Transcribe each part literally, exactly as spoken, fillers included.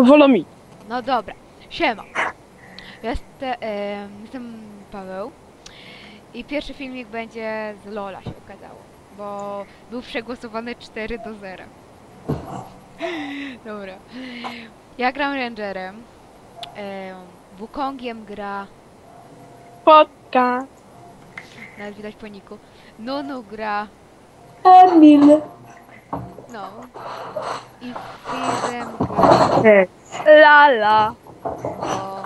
Wolomi. No dobra, siema. Jestem, e, jestem Paweł i pierwszy filmik będzie z Lola, się okazało, bo był przegłosowany cztery do zera. Dobra. Ja gram Rangerem, e, Wukongiem gra, Spotka. nawet widać po niku, Nunu gra, Emil. no, i Fizem gra, Cześć. Lala. o,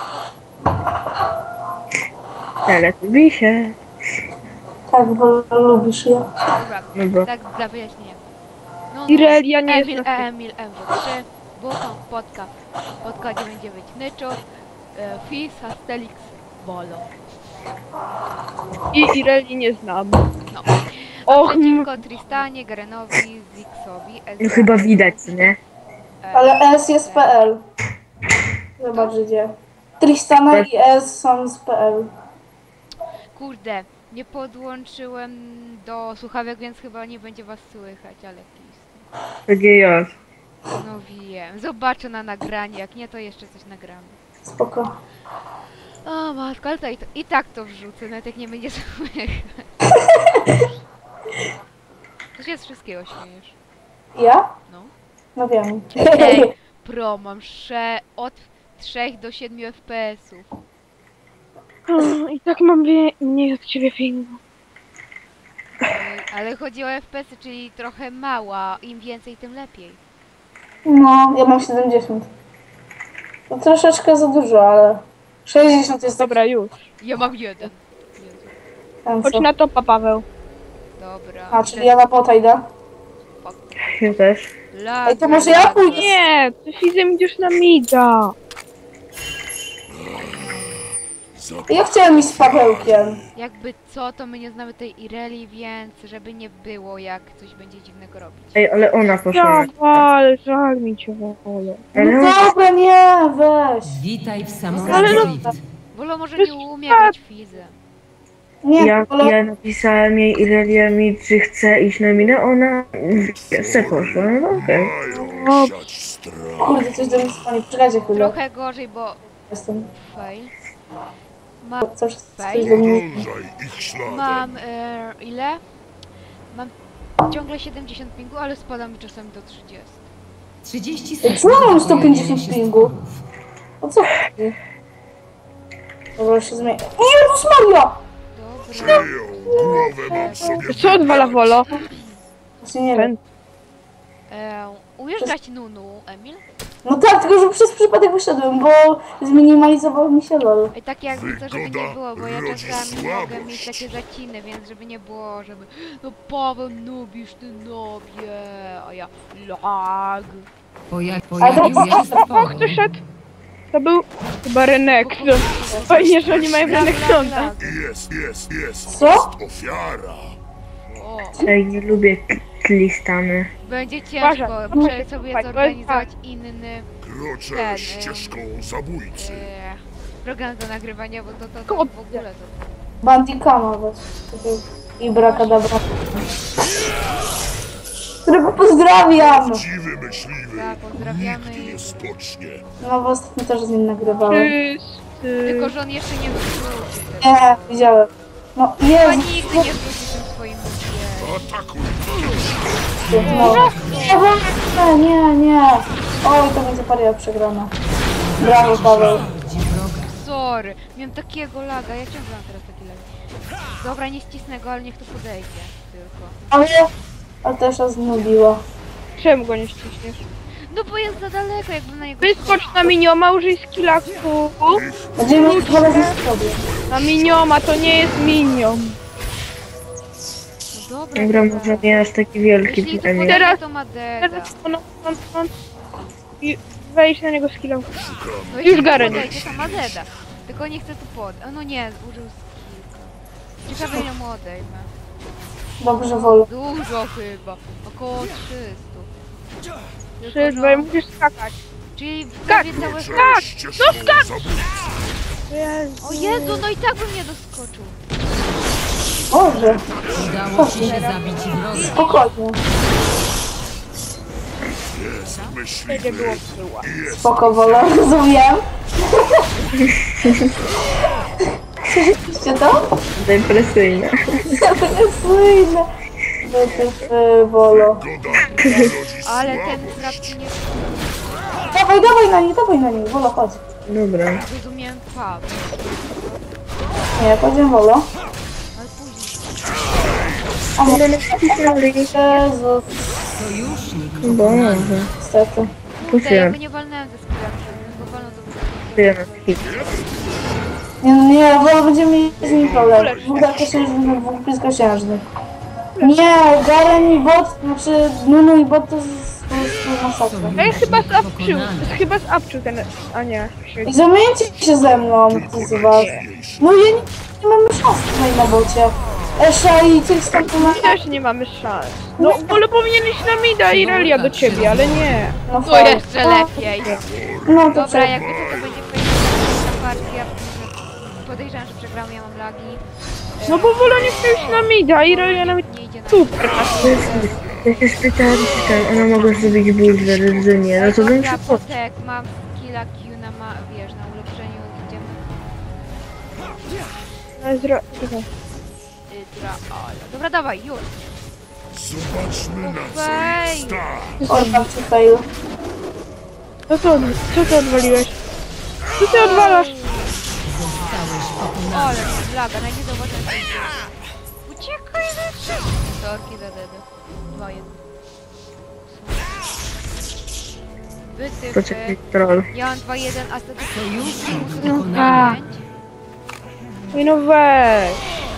Teletubisie. Tak, bo lubisz je. dobra, Dobra. tak dla wyjaśnienia. No, Irelia nie jest Emil, na Emil, M W trzy, Wukong, Podka, Podka dziewięćdziesiąt dziewięć, Nyczo, e, Fizz, Astelix, Bolo. I Ireli nie znam. No. Och, m- Przeciwko Tristanie, Garenowi, Zixowi, No Ezrealowi, chyba widać, nie? e, Ale S jest P L. Zobacz gdzie. Tristana i S są z P L. Kurde, nie podłączyłem do słuchawek, więc chyba nie będzie was słychać, ale please. Takie ja. No wiem, zobaczę na nagranie, jak nie to jeszcze coś nagramy. Spoko. O matko, ale to i, to, i tak to wrzucę, nawet jak nie będzie słychać. To się z wszystkiego śmiejesz. Ja? No. No wiem. Ej, pro, mam sze od trzech do siedmiu F P S-ów. o, I tak mam wie- mniej od ciebie filmu. Ej, ale chodzi o F P S-y, czyli trochę mała, im więcej, tym lepiej. No, ja mam siedemdziesiąt. To troszeczkę za dużo, ale sześćdziesiąt jest Dobra, już. Ja mam jeden. Jezu. tam Chodź co. na topa, Paweł. Dobra. A, czyli ja na bota idę. Ja też. Laga, Ej, to może ja laga. pójdę? Nie, ty Fizem idziesz na mida. Ja chciałem iść z Pawełkiem. Jakby co, to my nie znamy tej Ireli, więc żeby nie było, jak coś będzie dziwnego robić. Ej, ale ona poszła. Dawaj, żal mi cię wolę. Ale No dobra, nie, weź. Witaj w Ale samolocie no- Rift. Bolo może nie umie grać Fizem. Nie, ja, ale ja napisałem jej Irelia mi, czy chce iść na minę, ona chce poszła, no okej. O, kurde, coś do mnie dzwoni. Poczekajcie chwilę. Trochę gorzej, bo Jestem. fail. Mam, Coś, coś do mnie... mam e, ile? Mam ciągle siedemdziesiąt pingu, ale spada mi czasami do trzydziestu. trzydzieści Ej, sekund. co mam do sto pięćdziesiąt pojawienia się pingu? stworów. O co chodzi? Dobra, się zmieni. Jezus Maria! Dobra. co odwala Wolo? Właśnie nie wiem. Ten. E, umiesz grać Nunu, Emil? No tak, tylko że przez przypadek wyszedłem, bo zminimalizował mi się LOL. I tak jakby to, żeby nie było, bo ja czasami mogę mieć takie zaciny, więc żeby nie było, żeby no Paweł nubisz, ty nobie, a ja lag. Poja pojawił się Och, stwór. kto szedł? To był chyba Renek. No, fajnie, że oni mają Lag, lag, Renektonda. lag. Jest, jest, jest. Co? Ofiara. O, Ej, nie lubię Tristany. będzie ciężko Uważaj, muszę muszę sobie słuchać, zorganizować inny Kroczę Ten, ścieżką zabójcy. e, program do nagrywania, bo to, to, to Kurde. w ogóle to... Bandicama was. I brakadabra. Którego pozdrawiam! Dziwy myśliwy. Tak, pozdrawiamy Nigdy i... nie spocznie. No bo ostatnio też z nim nagrywałem. Wszyscy. Tylko, że on jeszcze nie wrócił. Nie, widziałem. No Chyba Jezu, nigdy nie wróci tym swoim ludzie. Atakuj. no. Nie, nie, nie. Oj, to będzie paria przegrana. Brawo, Paweł. Gdzie wroga. Sorry, miałem takiego laga, ja ciągle mam teraz taki lag. Dobra, nie ścisnę go, ale niech to podejdzie tylko. Ale... Ale też raz znubiło. Czemu go nie ściśniesz? No bo jest za daleko, jakby na niego... Wyskocz na minioma, użyj skilla Q. Będziemy mieć dwa razy z sobie. Na minioma, to nie jest minion. No dobra, Dobra, dobra. może nie aż taki wielki Jeśli to pytanie. podejdzie, Teraz- to ma deda. Teraz on, on, on. I wejdź na niego skilla. No jeśli Już Garen. to podejdzie, to ma deda. Tylko nie chcę tu pod... O, no nie, użył skillka. Ciekawe ile mu odejmę. Dobrze, wolę. Dużo chyba. Około trzystu. Tylko, Trzy, że- dwa, i musisz skakać. Czyli prawie całe... Kroczę Tak, ścieżką zabójcy. Jezu. O Jezu, no i tak bym nie doskoczył. Boże, Udało ci się zabić wroga. spokojnie. Jest Nie myśliwy było była. i jest Spoko, wolę, rozumiem. Słyszeliście to? Depresyjne. Depresyjne. Wytyfy, Wolo. goda rodzi Ale ten słabość. zrab nie Dawaj, dawaj na nie, dawaj na nie, Wolo, chodź. Dobra. zrozumiałem pub. Nie, chodźmy, Wolo. Ale później. A może Ale nacisnęli. Jezus, Sojusznik Boże. niestety. Kurde, Puściłem. jakby nie walnąłem ze skilla, bo walną to by... Puściłem hit. Nie, no nie, Wolo, będziemy mieli z nim problem. Dwóch dalekosiężnych, dwóch bliskosiężnych. Nie, Garen i bot, znaczy Nunu i bot to jest po prostu masakra. Ej, chyba zapczył. Chyba zapczył ten... A nie. I zamieńcie się ze mną, ty z was. No ja nie, nie mamy szans tutaj na bocie. Esza i coś tam tu ma... My też nie mamy szans. No, ale powinien iść na mida i Relia do ciebie, ale nie. No To fajnie. jeszcze lepiej. No to Dobra, trzeba. jakby to, to będzie fajna partia. Podejrzewam, że przegramy, ja mam lagi. No bo Wola nie chce iść na mida i Relia na mida. Nie idzie na... Super. Ja się spytałem, czy tam ona mogła zrobić bulwer, że nie. No to bym Dobra, przypomniał. potek, mam skilla Q na ma, wiesz, na ulepszeniu, idziemy. Ale zro... czekaj. Ydra, ale... Dobra, dawaj, już. Zobaczmy na co Wej. ich stać. Orban ci fail. Co to, co ty odwaliłeś? Co ty odwalasz? Zostałeś pokonany. Ale mam laga, na nie zauważyłem. Uciekaj ze wszystkich. Torki za dedy. Dwa, jeden. Wytyfy. Poczekaj, troll. Ja mam dwa jeden, a wtedy... Sojusznik No, pokonany. Ej, no weź.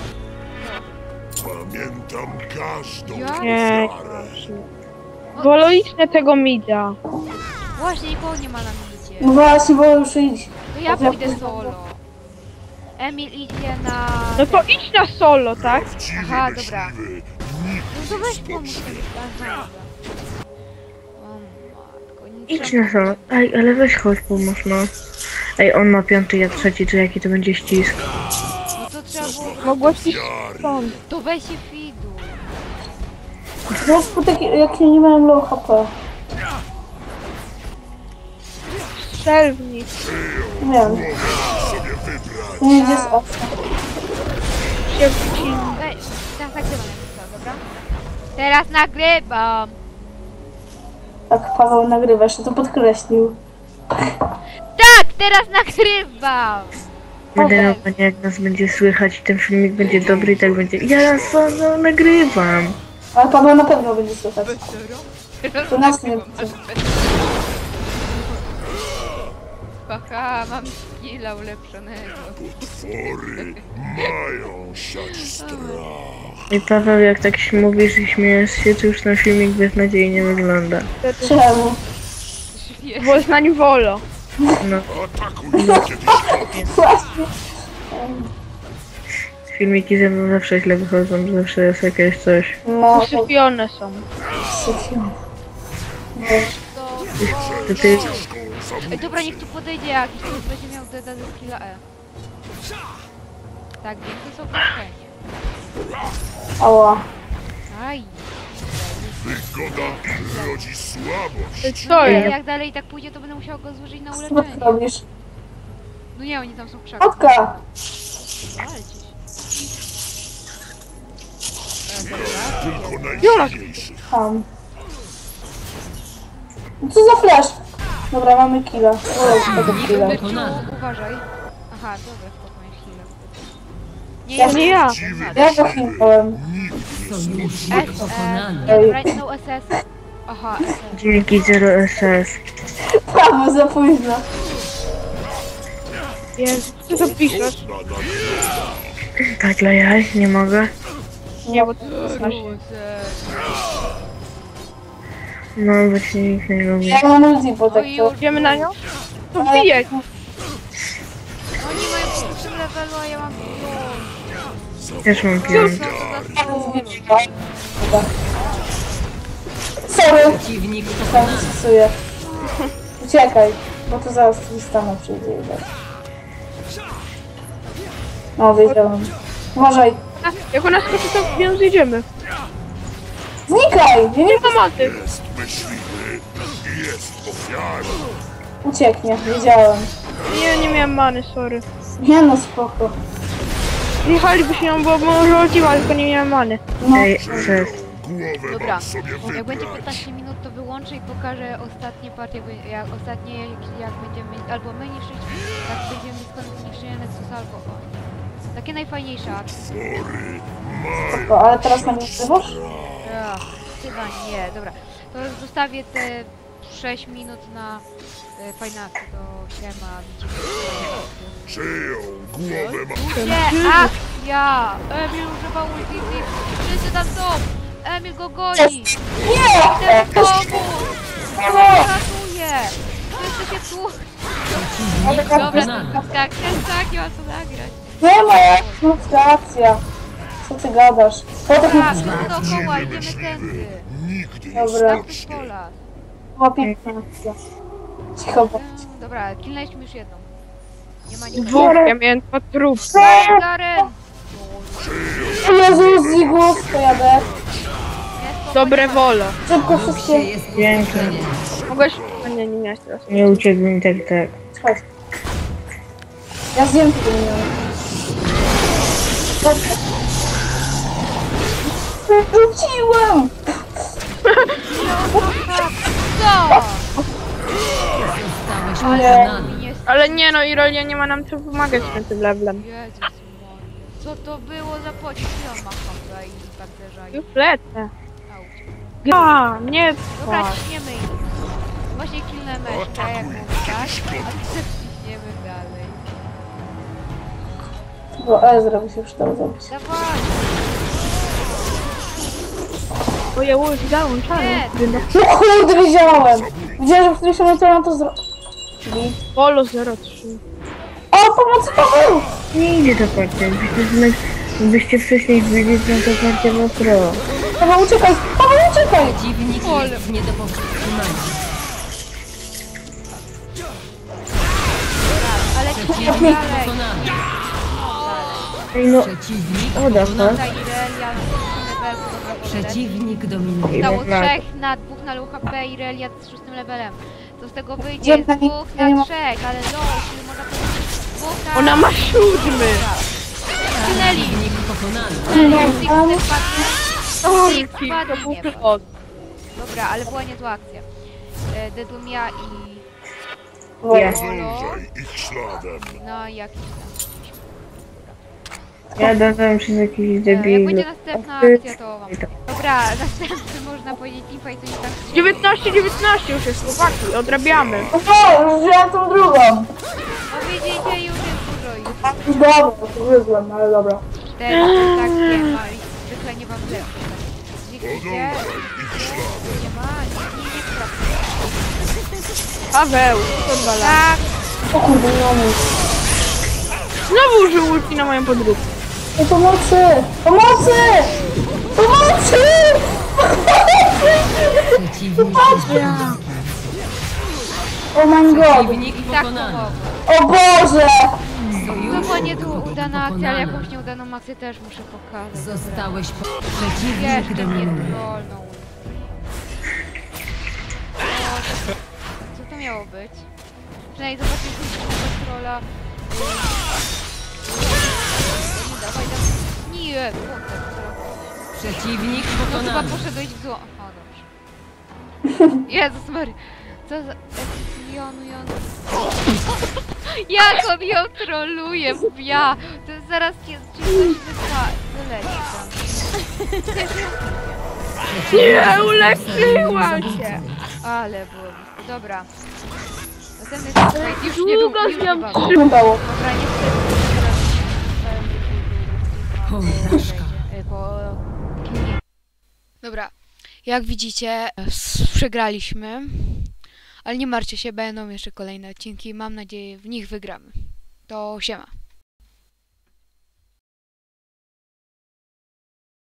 Pamiętam każdą Ja? Nie. ofiarę. Wolo idź na tego mida. Właśnie, nikogo nie ma na midzie. No właśnie, bo już idź. To ja pójdę solo. Emil idzie na... No to idź na solo, tak? Prawdziwy Aha, dobra. myśliwy No to weź pomóż mi. Aha. O matko, nic Idź nie- na solo. Ej, ale weź chodź, pomóż no. Ej, on ma piąty, ja trzeci, to jaki to będzie ścisk? No to trzeba było... Mogłaś iść stąd. To weź się fidu. No skutek, jak nie miałem low H P. Strzelwnik. Nie wiem. sobie wybrać. Nie jest opcja. Się wcin. Ej, teraz nagrywam jak to, dobra? Teraz nagrywam! Tak, Paweł nagrywa, jeszcze to podkreślił. Tak, teraz nagrywam! Będę na panie, jak nas będzie słychać i ten filmik będzie dobry i tak będzie. Ja na solo nagrywam. Ale Paweł na pewno będzie słychać. To nas nie będzie. Haha, mam skilla ulepszonego. Potwory mają siać strach. I Paweł, jak tak się mówisz i śmiejesz się, to już ten filmik beznadziejnie wygląda. Czemu? Bo znań Wolo. No, Atakujmy kiedyś gotowi. Właśnie. filmiki ze mną zawsze źle wychodzą, zawsze jest jakieś coś. No, to Usypione są. syfią. To... To ty Ej, dobra, niech tu podejdzie jakiś, ktoś będzie miał deda ze skilla E. Tak, więc to jest opuszczenie. Ała. Aj. Wygoda rodzi słabość. Co Ale jest? jak dalej tak pójdzie, to będę musiała go złożyć na Co ty uleczenie. robisz? No nie, oni tam są w krzakach. Kotka! Walczyć. Tylko najsilniejszy. Ham. No co za flash? Dobra, mamy killa. O, tego killa. Byciu, Pokonany. uważaj. Aha, dobra, spokojnie, chwilę. Nie, Ja ja nie ja. Prawdziwy Ja go chwilałem. Sojusznik S, S, pokonany. nie, dobra, no S S. Aha, S S. dzięki zero S S. Paweł, za późno. Jezu, co to piszesz? Tak dla jaj, nie mogę. Nie, bo to znasz. No, bo cię nikt nie lubi. Ja mam ulti po tak Oj, to. już. Idziemy na nią? To wbijaj. Oni mają po tym levelu, a ja mam piąt. Też mam piąty. Sorry, Przeciwnik tam pokonany. stosuję. Uciekaj, bo to zaraz Tristana przyjdzie i tak. No, wiedziałem. Uważaj. A, jak ona skoczy, to w nią zjedziemy. Znikaj! Ja nie Nie ma maty. Jest myśliwy i jest ofiarą. ucieknie, wiedziałem. Nie, nie miałem many, sorry. Nie no, spoko. Jechalibyśmy ją, bo może chodziła, tylko nie miałem many. No, Ej, ses. Głowę Dobra, mam sobie jak będzie wybrać. piętnaście minut, to wyłączę i pokażę ostatnie partie, bo jak ostatnie, jak, jak będziemy, albo my niszczyć, jak będziemy skąd niszczenia Nexusa, albo on. Takie najfajniejsze akcje. Potwory spoko, ale teraz na mnie wzywasz? Ach, chyba nie, dobra. To zostawię te sześć minut na e, fajne akcje, to siema, widzimy się. czyją głowę mam. Nie, akcja! Emil używa ulti, wszyscy tam są! Emil go goni! Nie! Chcę pomóc! Nie! Ratuje! Wszyscy się tu... Ale Dobra, Znane. tak, ten tak, nie ma co nagrać. nie ma jak ludzka akcja. Co ty gadasz? Potem Tak, mi dookoła, idziemy tędy. Nigdy nie Dobra. Tam z spocznie. pola. była piękna akcja. Cicho, bo... Eee, Dobra, kilnęliśmy już jedną. Nie ma nikogo. Dwóch, ja miałem dwa trupy. Garen! Jezus, Zigus, to jadę. Dobre wolo. Szybko Wróg się wszystkie... jest Pięknie. Mogłeś... A nie, nie miałeś teraz. Nie uciekł mi tak, tak. Słuchaj. Ja zjem tego nie miałem. Dobrze. Wróciłem! Co? Zostałeś Nie. pokonany. Mi nie... Ale nie no, Irolia nie ma nam co pomagać na tym levelem. Jezus Maria. Co to było za pocisk? Ja macham tutaj i pancerza i... Już lecę. Auć. A, nie Dobra, płacz. ciśniemy ich. Właśnie kilnę meszkę, jak mówię, tak? A ty ciśniemy dalej. Bo Ezra by się przydał zrobić. Dawaj! Bo ja już załączałem. Nie. No kurde, wiedziałem! Widziałem, że w którymś momencie mam to zrobić. Polo zero trzy. O, pomocy Paweł! Nie idzie ta partia. Byście, zna- byście wcześniej widzieli, że ta partia była pro. Paweł, uciekaj! Paweł, uciekaj! Przeciwnik jest nie do powstrzymania. Ale ciśniemy Przeciwnik dalej. pokonany. Ej no, Przeciwnik o da pokonany. Tutaj Irelia, level, dobra, Przeciwnik dominuje. I Stało można- trzech na dwóch na low H P i Irelia z szóstym levelem. To z tego wyjdzie Gdzie z pani- dwóch ja nie na ma- trzech, ale low, czyli można powiedzieć dwóch na... Ona ma siódmy. Skinęli! Przeciwnik pokonany. Six ale- spadnie. Orki, Spadnie, to był nie wychod. Dobra, ale była niezła akcja. E, Dedumia i Ja. Zdążaj ich śladem. no jakiś tam. Ja dodałem przez jakiś E, jak debil. będzie następna A ty- akcja, to wam. Dobra, następny można powiedzieć teamfight, to nie tak się... dziewiętnaście dziewiętnaście już jest, chłopaki, odrabiamy. No to, już wziąłem tą drugą. No widzicie, już jest dużo ich. Już dobra, to wyzłem, ale dobra. Cztery, to tak nie ma i zwykle nie wam lepsze. Widzicie? Ich śladem. Nie ma, nie, nie, nie sprawdzę. Paweł, to dwa lata. Tak, O kurde, nie mam nic. Znowu użył ulti na moją podróbkę. Ej, pomocy! Pomocy! Pomocy! Przeciwnik jest pokonany. Oh my god! Przeciwnik i tak pokonany. pomogło. O Boże! To Sojusznik była nieudana akcja, ale pokonany. jakąś nieudaną akcję też muszę pokazać. Zostałeś po... Przeciwnik Jeszcze mnie dominuje. wolną. Co to miało być? Przynajmniej zobaczcie, co trolla. Nie dawaj, dawaj. Nie, kurde, co? Przeciwnik No chyba pokonany. poszedłeś w zło. O, dobrze. Jezus Mary. Co za... Jonu, Jonu. Jak on ją troluje, ja. To zaraz cię ci coś wypa... wyleci tam. Nie, uleczyła się. Ale było blisko. Dobra. Następny fight już nie był, Długo już z nie nią był. trzymał. Udało. Dobra, niestety teraz... Porażka. e, bo... Dobra, jak widzicie, s- przegraliśmy. Ale nie martwcie się, będą jeszcze kolejne odcinki. Mam nadzieję, w nich wygramy. To siema.